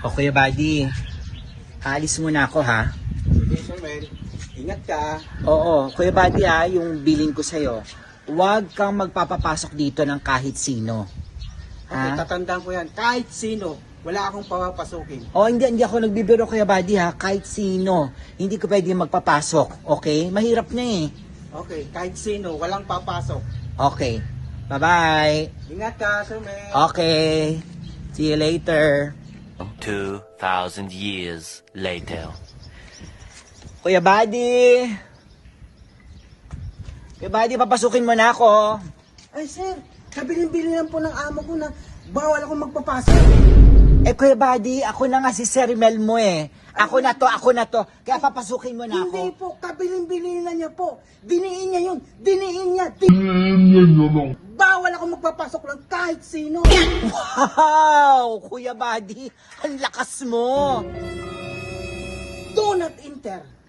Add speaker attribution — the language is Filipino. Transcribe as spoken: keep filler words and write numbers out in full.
Speaker 1: O Kuya Buddy, aalis muna ako ha.
Speaker 2: Sige, Sir Mel. Ingat ka.
Speaker 1: Oo, Kuya Buddy ha, yung billing ko sa'yo. Huwag kang magpapapasok dito ng kahit sino.
Speaker 2: Okay,
Speaker 1: Ha?
Speaker 2: tatandaan ko yan. Kahit sino, wala akong papapasukin.
Speaker 1: O hindi, hindi ako nagbibiro Kuya Buddy ha, kahit sino. Hindi ko pwede magpapasok, okay? Mahirap na eh.
Speaker 2: Okay, kahit sino, walang papasok.
Speaker 1: Okay, bye-bye.
Speaker 2: Ingat ka, Sir Mel.
Speaker 1: Okay, see you later.
Speaker 3: Two thousand years later.
Speaker 1: Kuya Buddy! Kuya Buddy, papasukin mo na ako.
Speaker 2: Ay, sir, kabilin-bilin lang po ng amo ko na bawal akong magpapasok.
Speaker 1: Eh Kuya Buddy, ako na nga si Sir Mel mo eh. Ako na to, ako na to. Kaya papasukin mo na
Speaker 2: Hindi
Speaker 1: ako.
Speaker 2: po, kabilin-bilin na niya po. Diniin niya yun. Diniin niya. Diniin Bawal ako magpapasok lang kahit sino.
Speaker 1: Wow! Kuya Buddy, ang lakas mo.
Speaker 2: Do not enter.